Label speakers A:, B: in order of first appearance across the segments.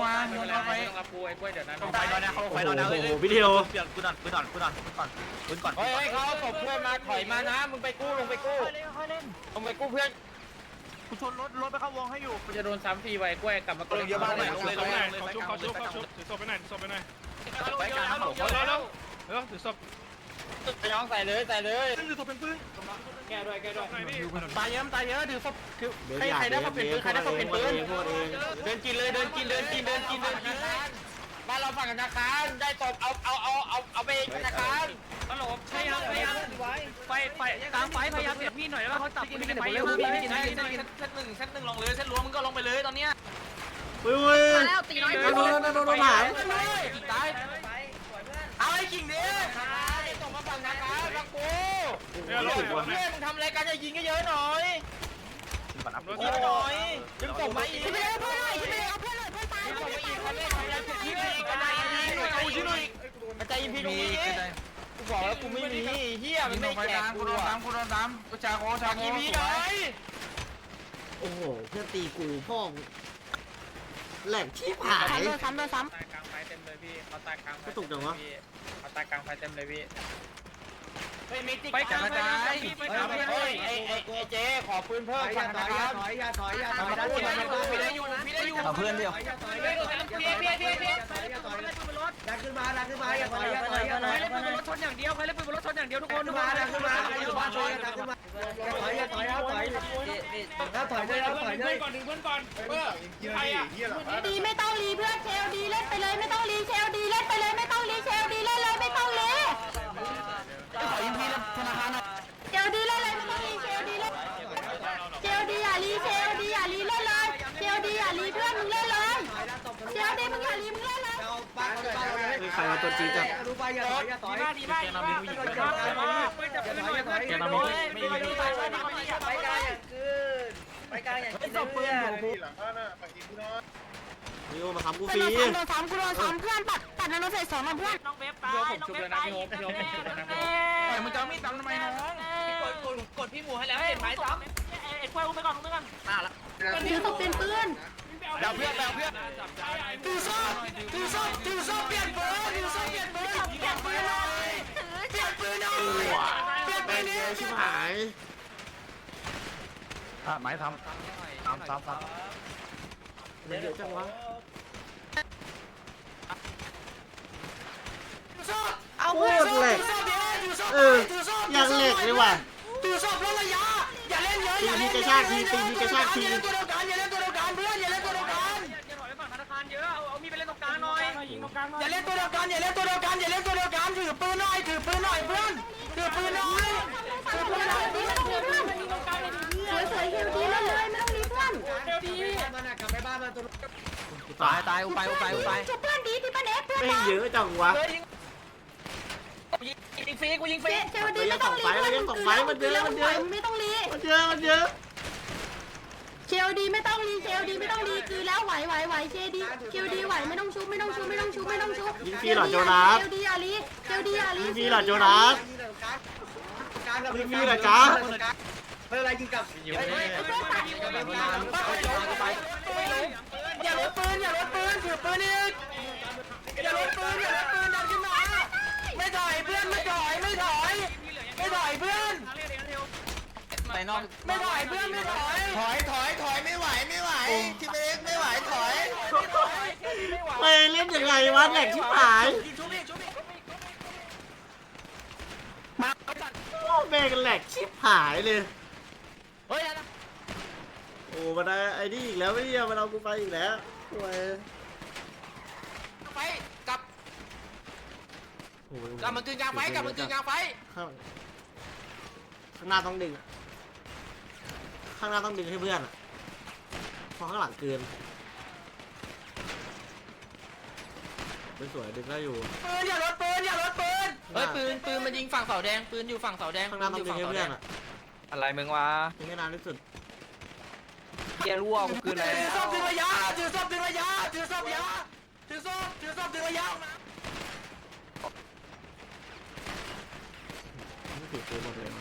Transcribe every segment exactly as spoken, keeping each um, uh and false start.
A: มาโยนเข้าไป
B: ต้องรับกูไอ้กล้วยเดี๋ยวนั้น
C: ไฟนอนนะเขาไฟนอนนะ
D: โอ้โหพี่เดียว
C: เปลี่ยนปืนก่อนปืนก่อนปืนก่อนปืนก่อนปืนก่อน
B: เฮ้ยเขาตบเพื่อนมาถอยมานะมึงไปกู้ลงไปกู้ลงไปกู้เพื่อน
C: กูชนรถรถไปเข้าวงให้อยู่
B: กูจะโดนซ้ำฟรีไว้กล้วยกลับมา
C: เยอะมากเลย
E: ลงเลยลงเลยเขาชุบเขาชุบเขาชุบถือศพไปไหนศพไปไหนเร็วเร็วเร็วถือศพ
B: ไปน้องใส่เลยใส่เลย
E: ถือศพเป็นปืน
B: แก้ด้วยแก้ด้วย
C: ตายเยอะตายเยอะถือศพคือ
D: เดี๋ยว
C: ใคร
D: อยาก
C: ใครได้มาเป็นปืนใครได้มาเป็นปืน
D: โคตรเอง
B: เดินกินเลยเดินกินเดินกินเดินกินเดินกินบ้านเราฝั่งธนาคารได้ตบเอาเอาเอาเอาเอาไปธนาคารฮัลโหลพยายามพยายามไฟไฟกลางไฟพยายามเสียบมีดหน่อยแล้วเขาจับมีดไปเยอะมากมีดได้ได้เส้นหนึ่งเส้นหนึ่งลงเลยเส้นล้วงมึงก็ลงไปเลยตอนเนี้ย
D: เฮ้ยเฮ้ย
F: แล้วตีน้อย
D: โดนโดนโดนโดนโดนหาย
B: ตายเอาไอ้กิ่งดิตบมาฝั่งธนาคารฝั่งกูเพื่อนมึงทำอะไรกันจะยิงก็เยอะหน่อยยิงหน่อยยิงตบมาอีก
F: ที่ไม่ได้เพื่อนเลยที่ไม่ได้เอาเพื่อนเลยเพื่อนตาย
B: ยิง
F: เพื่
B: ต
F: อน
B: บมา
F: ตา
B: อี
F: ย
B: ก
F: เพื่
B: เขา
F: อน
B: เล่น
F: ตาย
B: เขาเล่นยิงหน่อยกระจายยิงพี่ตรงนี้กูบอกแล้วกูไม่มีเฮียมันไม่แจกกู
A: กูโดน
B: อ่ะ
A: ตามกูโดนตามกูชาโคชาโค
B: อีพีหน่อย
D: โอ้โหเพื่อนตีกูพ่อแหลกที่หาย
F: ซ้ำเลยซ้ำเลยซ้
B: ตายกลางไฟเต็มเลยพี่เขาตายกลางไฟ
D: กระตุกจังวะ
B: เขาตายกลางไฟเต็มเลยพี่
C: ไปกลางไฟ
B: เฮ้ยไอ้ไอ้ไอ้เจ๊ขอปืนเพิ่มฝั่งนะครับ
A: ถอยอย่าถอยอย่าถอย
B: พี่ได้อยู่พี่ได้อยู่
C: เอาเพื่อนเดียว
B: พี่พี่พี่พี่
A: ดันขึ้นมาดันขึ้นมาอย่าถอยอย่าถอยอย่าถอย
B: ใครเล่นปืนบนรถชนอย่างเดียวใครเล่นปืนบนรถชนอย่างเดียวทุกคน
A: ขึ้นมาดันขึ้นมาอยู่บ้านช่วยกันดันขึ้นมาถอยอย่าถอยแล้วถอยแล้วถอยได้แล้วถอยได้
E: ก่อนดึงเพื่อนก่อนเออใครอ่ะ
F: ำดีไม่ต้องรีเพื่อนเชลดีเล่นไปเลยไม่ต้องรีเชลดีเล่นไปเลยไม่ต้องรีเชลดีเล่นเลยไม่ต้องรี
C: ขอยิงพีธนาคารหน่อย
F: เชลดีเล่นเลยไม่ต้องรีเชลดีเล่นเชลดีอย่ารีเชลดีอย่ารีเล่นเลยเชลดีอย่ารีเพื่อนมึงเล่นเลยเชลดีมึงอย่ารีมึงเล่นเลย
D: ใครมาตัวจริงจัง
A: ดูไปอย่าถอยอย่าถอย
B: ดีมากดีมากดีมากดีมากไปจับปืนหน่อยเพื่อนแกนามิไม่ไม่ไม่ไปไปกลางอย่างคืนไปกลางอย่างคืนเพื่อน
D: นี่โอมาทำกู
F: โด
D: ฟรี
F: นซ้ำโดนซ้ำกูโดนซ้ำเพื่อนปัดปัดโดนใส่สองมาเพื่อน
B: น้องเว็บตายน้องเว็บตายพี่โฮปพี่โฮปพี่โฮปนะพี่โฮป
A: มึงจะมีดทำไมน้อง
B: กดกดกดพี่หมูให้แล้วเห็นไหมซ้ำไอ้กล้วยอุ้มไปก่อนอุ้มไปก่อนตาละ
F: ถือศพเป็นปืน
C: เดาเพื่อนเดาเพื่อน
B: ถือซ่อถือซ่อถือซ่อเปลี่ยนปืนถือซ่อเปลี่ยนปืนเปลี่ยนปืนหน่อยเปลี่ยนปืนหน่อยเปลี่ยนปื
D: แม่
B: น
D: ง
B: นี่
D: เยอะชิบหาย
C: อ่ะไม้ทำทำทำทำ
D: เยอะจังวะ
B: เอา
D: โคตรแหลกเออยังแหลกเลยว่ะ
B: ถือซ่อลดระยะอย่าเล่นเยอะ
D: ตีทีกระชากทีตีทีกระชากที
B: อย่าเล่นตัวเดียวกันอย่าเล่นตัวเดียวกันเพื่อนอย่าเล่นตัวเดียวกันอย่าถอยไปฝั่งธนาคารเยอะเอาเอามีไปเล่นตรงกลางหน่อยยิงตรงกลางหน่อยอย่าเล่นตัวเดียวกันอย่าเล่นตัวเดียวกันอย่าเล่นตัวเดียวกันถือปืนหน่อยถือปืนหน่อยเพื่อนถือปืนหน่อยถือปืนหน่อย
F: ดีไม่ต้องรีเพื่อนสวยๆเฮลดีเล่นเลยไม่ต้องรีเพื่อน
A: มันกลับไปบ้านมันตัว
C: ตายตายอุไปอุไปอุไป
F: จุดเพื่อนดีที่ป้าเน็กเพื่อน
D: แม่งเยอะจังวะ
B: ยิงฟรีกูยิงฟรี
F: เชลดีไม่ต้องรีไม่ต้องรี
D: มันเยอะมันเยอะมันเยอะ
F: เชลดีไม่ต้องรีเชลดีไม่ต้องรีคือแล้วไหวไหวไหวเชลดีเชลดีไหวไม่ต้องชุบไม่ต้องชุบไม่ต้องชุบไม่ต้องชุบเชลดีอย่าลีเชลดีอย่าลี
D: ยิงฟรีเหรอโจนัส
A: การกับ
D: ยิงฟรีเหรอจ๊ะ
A: ไม่เป็นไรยิงกับ
B: อย่าลดปืนอย่าลดปืนถือปืนอีกอย่าลดปืนอย่าลดปืนดันขึ้นมาไม่ถอยเพื่อนไม่ถอยไม่ถอยไม่ถอยเพื่อน
C: ไปนอก
B: ไม่ถอยเพื่อนไม่ถอย
G: ถอยถอยถอยไม่ไหวไม่ไหวทีมเล็กไม่ไหวถอย
D: ไปเล่นยังไงวะแหลกชิบหาย
B: ชุบอีกชุบอีก
D: โอ้แม่งแหลกชิบหายเลย
B: เฮ้ย
D: โอ้มาได้ไอ้นี่อีกแล้วไม่เนี่ยมันเอากูไปอีกแล้วโอ้ย
B: ไฟกลับ
D: โอ้ย
B: กลับมันคืนกลางไฟกลับมันคืนกลางไฟ
D: ข้างข้างหน้าต้องดึงอะข้างหน้าต้องดึงให้เพื่อนอะเพราะข้างหลังเกินไม่สวยดึงได้อยู่
B: ปืนอย่าลดปืนอย่าลดปืนเฮ้ยปืนปืนมันยิงฝั่งเสาแดงปืนอยู่ฝั่งเสาแดง
D: ข้างหน้าต้องดึงให้เพื่อนอะ
C: อะไรมึงวะ
D: ดึงให้นานที่สุด
C: เกียร์รั่วกูคืออะไร
B: ถือศพดึงระยะถือศพดึงระยะถือศพระยะถือศพถือศพดึงระยะ
D: ไม่ถือปืนหมดเลยมัน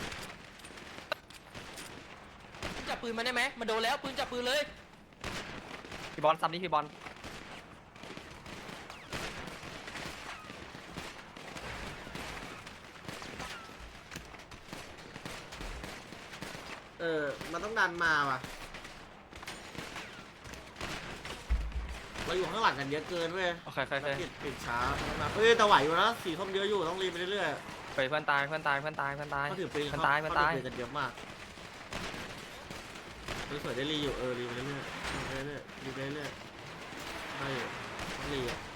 B: จับปืนมาได้ไหมมาโดนแล้วปืนจับปืนเลย
C: พี่บอลซ้ำนี่พี่บอล
D: เออมันต้องดันมาว่ะเราอยู่ข้างหลังกันเยอะเกินเว้ย
C: โอเคโอเค
D: ปิดปิดช้าเฮ้ยแต่ไหวอยู่นะสีส้มเยอะอยู่ต้องรีบไปเรื่อย
C: ไปเพื่อนตายเพื่อนตายเพื่อนตายเพื่อนตาย
D: ๆเขาถือปืน
C: เพื่อนตายเพื่อนตาย
D: เขาถือปืนกันเยอะมากสวยๆได้รีอยู่เออรีไปเรื่อยๆรีไปเรื่อยๆรีไปเรื่อยๆได้อยู่ต้องรีอ่ะ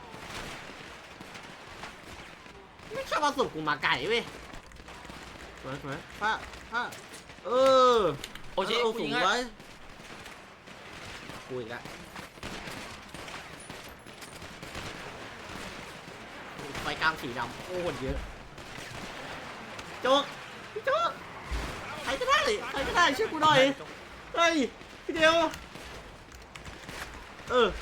D: ไม่ชอบมาสุกกูมาไก่เว้ยสวยสวยป้าป้าเออ
C: โอ้ชิ
D: เอา
C: กู
D: สู
C: ยิ
D: ง
C: งให้
D: ไว้กูอีกแล้วไฟกลางสีดำโอ้โหเยอะโจ๊กพี่โจ๊กใครก็ได้ใครก็ได้ช่วยกูหน่อยเฮ้ยพี่เดียวเออ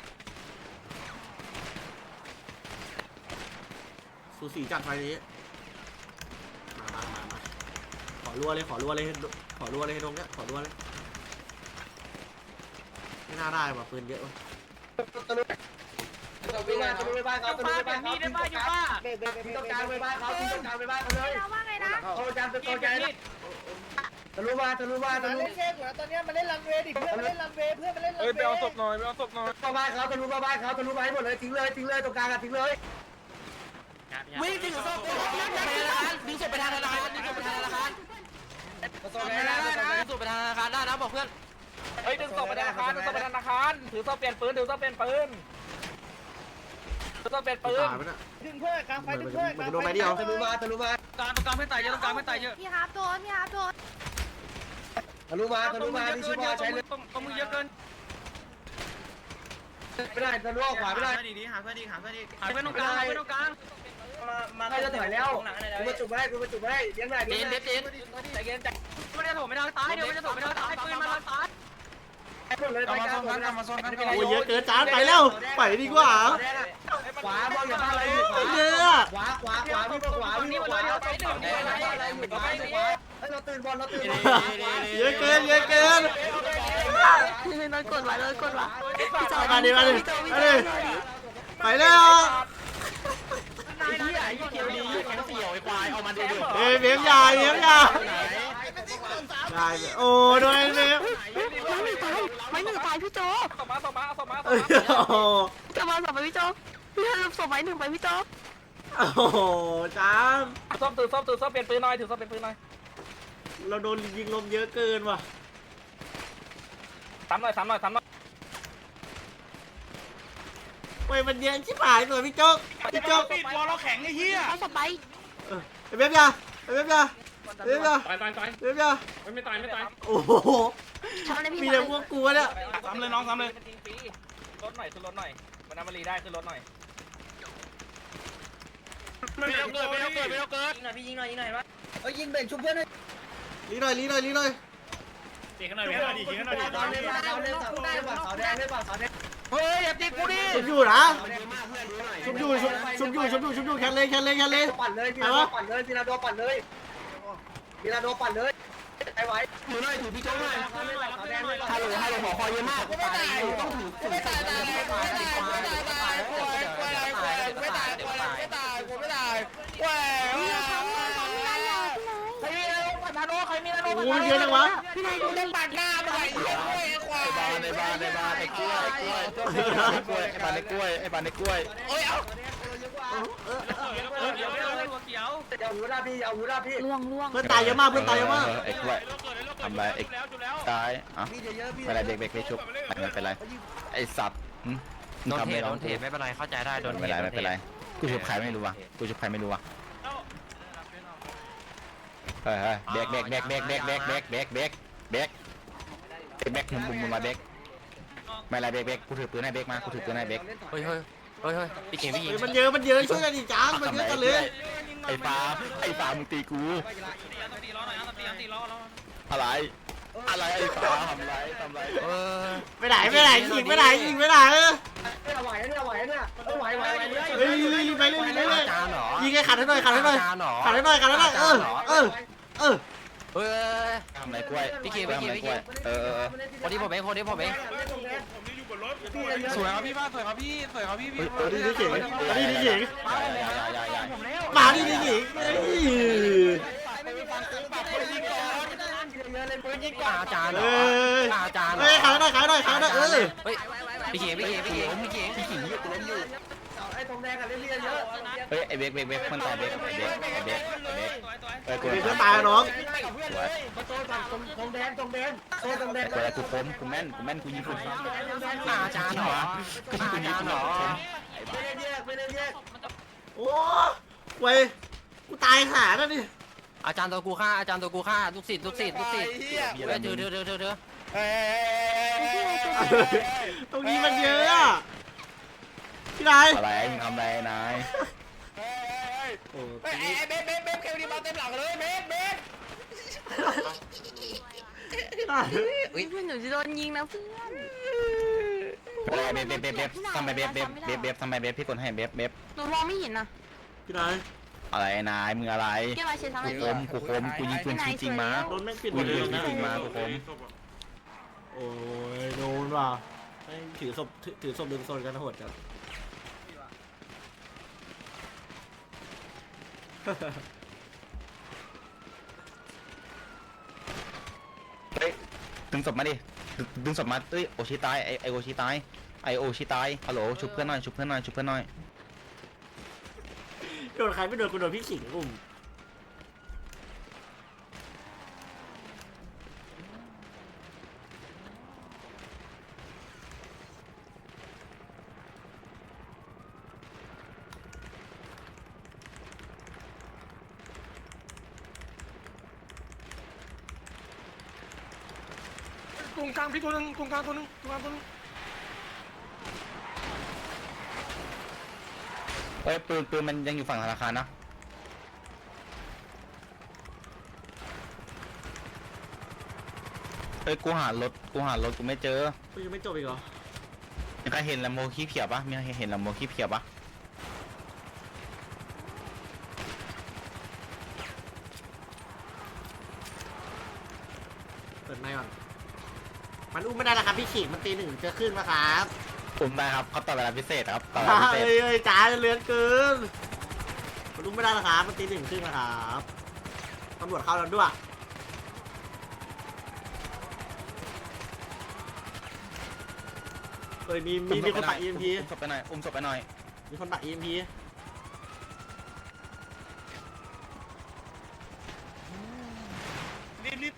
D: สูสีจัดไฟนี้มามามามาขอรัวเลยขอรัวเลยขอรัวเลยตรงเนี้ยขอรัวเลยไม่น่าได้ว่ะปืนเยอะว่ะ
A: ตะลุไปบ้านตะลุไปบ้านเขาตะลุไปบ้านเขา
B: ได้บ้าอยู่บ้า
A: ทิ้งตรงกลางไปบ้านเขาทิ้งตรงกลางไปบ้านเขาเลย
F: เราว่าไงนะ
A: โตจานเป็นโตใจนะตะลุมาตะลุมาตะลุ
G: เล่นเค้กอยู่นะตอนนี้มันเล่นรันเวย์ดิเพื่อนมันเล่นรันเวย์เพื่อนมันเล่นรัน
E: เอ้ย
G: เว
E: ไปเอา
G: ย์
E: ศพหน่อยไปเอาศพหน่อย
A: มาบ้านเขาตะลุมาบ้านเขาตะลุมาให้หมดเลยทิ้งเลยทิ้งเลยตรงกลางอะทิ้งเลย
B: วิ่งถึงศพดึงศพไปทางธนาคารดึงศพไปทางธนาคาร
A: โตใจนะ
B: ดึงศพไปทางธนาคารได้นะบอกเพื่อนเฮ้ยดึงศพไปธนาคารดึงศพไปธนาคารถือศพเปลี่ยนปืนถือศพเปลี่ยนปืนถือศพเปลี่ยนปืน
D: ตายไปน่ะ
G: ดึงเพื่อนกลางไฟดึงเพื่อนกลาง
D: มันจะโดนไปเดียว
A: ตะลุมาตะลุมา
B: กลางตรงกลางไม่ตายเยอะตรงกลางไม่ตายเยอะ
F: พี่ฮาร์ปโดนพี่ฮาร์ปโดน
A: ตะลุมาตะลุมาที่ชิบอใช้เลย
B: ตรงตรงมือเยอะเกิน
A: ไม่ได้ตะลุออกขวาไม่ได้
B: ดีดีหาเพื่อนดีหาเพื่อนดีหาเพื่อนตรงกลางหาเพื่อนตรงกลาง
A: ใครจะถอยแล้วกูมาจุบให้กูมาจุบให้เลี้ยงหน่อย
B: เจ
A: เลี้ย
B: น
A: งห
B: เด็
A: น่อย
B: ดเจนใจเย็นใจไม่ได้โถไม่ได้ตายเดี๋ยวไม่ได้โถไม่ได้ตายปืนมาทางซ้าย
A: หมดเลยไปกลางหมดเลย
D: โอ้ยเยอะเกินจานไปแล้วไปดีกว่า
A: ขวามองอย่าพลาดอะไรอยู่ขวา
D: เยอะ
A: ขวาขวาขวาพี่ขวาพี่ขวาอะไรอยู่ขวาขวาเฮ้ยเราตื่นบอลเราตื่นบอล
D: เยอะเกินเยอะเกิน
F: นอนกดไว้นอนกดไว้
D: มาดิมาดิมาดิไปแล้ว
B: ไอ้เหี้ยไอ้เกียวดีแข็งเสี่ยวไอ้ควายเอามาดูดิ
D: เอ้ยเบี้ยมยาเบี้ยมยาได้โอ้โดนเบี้ยม
F: ไม่หนึ่งตายไม่หนึ่งตายพี่โจ
B: สมาสมาสมาส
D: โอ้
B: มา
D: โห
F: จะมาสอบไปพี่โจพี่ทำสอบไปหนึ่งไปพี่โจ
D: โอ้โหจาน
B: ซ่อมตือซ่อมตือซ่อมเปลี่ยนปืนหน่อยถือซ่อมเปลี่ยนปืนหน่อย
D: เราโดนยิงลมเยอะเกินว่ะ
B: ซ้ำหน่อยซ้ำหน่อยซ้ำหน่อย
D: เว้ยมันเยอะชิบหายเลยพี่โจ๊กพี่โจ๊ก
E: ปิดวอลเราแข็งไอ้เหี้ย
F: เอาสอบไป
D: เออไอ้เบี้ยมยาไอ้เบี้ยมยาไอ้เบี้ยมยา
E: ตายตายตาย
D: เบี้ยมยา
E: ไม่ตายไม่ตาย
D: โอ้โห
F: ทำอะไรพี่
D: มีแต่พวกกูเนี่ย
E: ซ้ำเลยน้องซ้ำเลย
B: รถหน่อยขึ้นรถหน่อยมันน้ำมันรีได้ขึ้นรถหน่อย
E: ไม่ต้องเกิดไม่ต้องเกิดไม่ต้องเกิด
B: ยิงหน่อยพี่ยิงหน่อยยิงหน่อยวะ
A: เฮ้ยยิงเบ่งชุบเพื่อนเลย
D: ลีหน่อยลีหน่อยลีหน่อย
E: เก่งกันหน่อยเก่งกันหน่อยดิเก่งกันหน่อยดิ
A: ตอนเล่นตอนเล่นเสาแดงเสาแดงเล่นเสาแดง
B: เฮ้ยอย่าตีกูดิ
D: ชุบอยู่นะ
A: เสาแดงมากเพื่อนดูหน่อย
D: ชุบอยู่ชุบชุบอยู่ชุบอยู่ชุบอยู่แคนเลยแคนเลยแคนเลย
A: ปั่นเลยพีนาโดปั่นเลยพีนาโดปั่นเลยพีนาโดปั่นเลยไปไหวถือหน่อยถือพี่โจ้หน่อยเสาแดงเลย
B: ฮัลโหลฮัลโหลขอคอยเยอะมาก
G: กูไม่ตายต้องถือกูไม่ตายตายไม่ตายไม่ตายไม่ตายกูไม่ตายกูไม่ตายกูไม่ตายกูไม่ตายแหว
F: พี่นายทำเลยทำอะไรอ่ะพี่นาย
B: ใครมีนาโนปัตตาโนใครมีนาโน
D: โอ้ยเยอะจังวะ
F: พี่นายดูเล่น
G: ปัดหน้าไปควายควาย
H: ในบ้านในบ้านไอ้กล้วยไอ้กล้วยไอ้กล้วยไอ้บ้านในกล้วยไอ้บ้านในกล้วย
G: โอ้ยเอา
B: เดี๋ยวเดี๋ยวหัวเขียว
A: อย่าหูหน้าพี่อย่าหูหน้าพี่
F: ล่วงล่วง
D: เพื่อนตายเยอะมากเพื่อนตายเยอะมาก
H: ไอ้กล้วยทำไรไอ้ตายอ่ะ
A: พี่เยอะพี่
H: ไม่เป็นไรเบรกเบรกเบรกชุบไม่เป็นไรไอ้สัตว์มึง
C: โดน
H: ทำ
C: เท
H: ไม่
C: โด
H: ร้อง
C: นเทไม่เป็นไรเข้าใจได้โดน
H: ไม่เป็นไรไม่เป็นไรกูชุบใครไม่รู้ว่ะกูชุบใครไม่รู้ว่ะเฮ้ยเบรกเบรกเบรกเบรกเบรกเบรกเบรกเบรกเบรกเบรกเบรกมุมมุมมุมมาเบรกไม่เป็นไรเบรกเบรกกูถือปืนให้เบรกมากูถือปืนให้เบรก
C: เฮ้ยเฮ้ยเฮ้ยเฮ้ยพี่เก่งพี่ยิง
D: มันเยอะมันเยอะช่วยกันดิจ้างมันเยอะกันเลย
H: ไอ้ฟ้าไอ้ฟ้ามึงตีกู
B: ตีล้อหน่อยนะตีตีล้อล้อ
H: อะไรอะไรไอ้ฟ้าทำไรทำไร
C: เออ
D: ไปไหนไปไหนยิงไปไหนยิงไปไหนเออ
A: เนี่ยไหวเนี่ยไหวเนี่ยไหวไหวไหวเลย
D: เฮ้ยรีบไปเรื่อยไปเรื่อย
C: จานเหรอ
D: ยิงให้ขัดให้หน่อยขัดให้หน่อย
C: จานเหรอ
D: ขัดให้หน่อยขัดให้หน่อยเออเออเออ
C: เฮ้ย
H: ทำไรกล้วย
C: พี่เกม
H: ทำไร
C: พี่เกม
H: กล้วยเออเออ
C: คนที่ผมเองคนที่ผมเอง
E: ผมนี่อยู่บนรถ
C: สวยครับพี่บ้านสวยครับพี่สวยครับพี่พี่
D: มาดิดิเก่งมาดิดิเก่ง
H: อย่าอย่าอย่า
D: มาดิดิเก่งเฮ้ย
C: อาจารย์
D: เฮ้ย
C: อาจารย์
D: เฮ้ยขายหน่อยขายหน่อยขายหน่อยเออ
C: เฮ้ยพี่เก๋พี่เก๋พี่เก๋พี่เก๋พี่เก๋
A: ไอ้ทองแดงกันเรื่อยๆเยอะ
H: เฮ้ยไอ้เบกเบกเบกมันตายเบกเบกเบกเบกเบกเอ้ยกู
D: เป็นเพื่อนตายน้อง
A: มาโซนฝั่งทองแดงทองแดงโซนทองแดง
H: กูกูคมกูแม่นกูแม่นกูยิงคุณ
C: อาจารย์เหรออาจารย์เหรอ
A: ไม่ได้แยกไม่ได้แยก
D: โอ้เว้ยกูตายหาแล้วนี่
C: อาจารย์ตัวกูฆ่าอาจารย์ตัวกูฆ่าลูกศิษย์ลูกศิษย์ลูกศิษย์เฮ้ยเธอเธอเธอเธอเธอ
D: ตรงนี้มันเยอะอะพี่นาย
H: อะไรมึงทำอะไรนาย
D: โอ้
G: เฮ้ยเบฟเบฟเบฟเคดีมาเต็มหลังเลยเบฟเบฟ
D: พี่นาย
F: เพื่อนหนูจะโดนยิงนะเพื่อน
H: อะไรเบฟเบฟเบฟทำไมเบฟเบฟเบฟเบฟทำไมเบฟพี่กดให้เบฟเบฟ
F: หนูมองไม่เห็นนะ
D: พี่นาย
H: อะไรนายมึงอะไร
F: แกมาเชียร์ทำไม
H: กูคมกูคมกูยิงปืนจริงมา
D: โดนแม่งปิดหม
H: กู
D: ดเล
H: ยิ
D: ย
H: ง
D: นะ
H: จริงมากูคม
D: โอ้ยโดนว่ะแม่งถือศพถือถือศพดึงโซนกันโหดจัง
H: เฮ้ยดึงศพมาดิดึงศพมาเอ้ยโอชิตายไอไอโอชิตายไอโอชิตายฮัลโหลชุบเพื่อนหน่อยชุบเพื่อนหน่อยชุบเพื่อนหน่อย
D: โดนใครไม่โดนกูโดนพี่ขิงอุ้ม
E: ตรงกลางพี่ตัวนึงตรงกลางตัวนึงตรงกลางตัวนึง
H: เฮ้ยปืนปืนมันยังอยู่ฝั่งธนาคารนะเฮ้ยกูหารถกูหารถกูไม่เจอ
D: กูยังไม่จบอีกเหรอ
H: มีใครเห็นลำโมขี้เพียบปะมีใครเห็นลำโมขี้เพียบปะ
D: เปิดไมค์ก่อนมันอุ้มไม่ได้แล้วครับพี่ขิงมันตีหนึ่งจะขึ้นมาครับ
H: ผมได้ครับเขาต่อเวลาพิเศษครับต่อเวลาพิเศ
D: เอ้
H: ษ
D: ยเอ้ยจ้าเลือนเกินมันอุ้มไม่ได้แล้วครับมันตีหนึ่งขึ้นมาครับตำรวจเข้าแล้วด้วยเอ้ยมีมีมีคนตัด อี เอ็ม พี
H: อุ้มศพไปหน่อยอุ้มศพไปหน่อย
D: มีคนตัด อี เอ็ม พี
E: รีบรีบ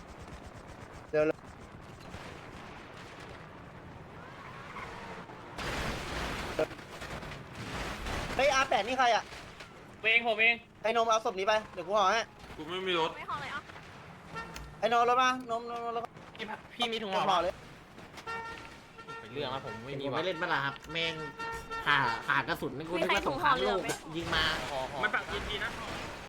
A: เฮ้ยอาแปดนี่ใครอ่ะ
B: เองผมเอง
A: ไอ้นมเอาศพนี้ไปเดี๋ยวกูห่อให้
E: กูไม่มีรถ
F: ไม่ขอเลยอ่ะ
A: ไอ้นมรถมานมนมรถ
B: พี่มีถุง
A: ห่
B: ห่อ
A: อเลย
B: เรื่องนะผมไม่มี
D: ผม
B: ว่ะ
D: ไม่เล่นบ้าล่ะครับแม่งขาขากระสุนนี่กูนึกว่าสงครามโลกอะยิงมา
B: ไม่ปักยินดีนะ
D: เ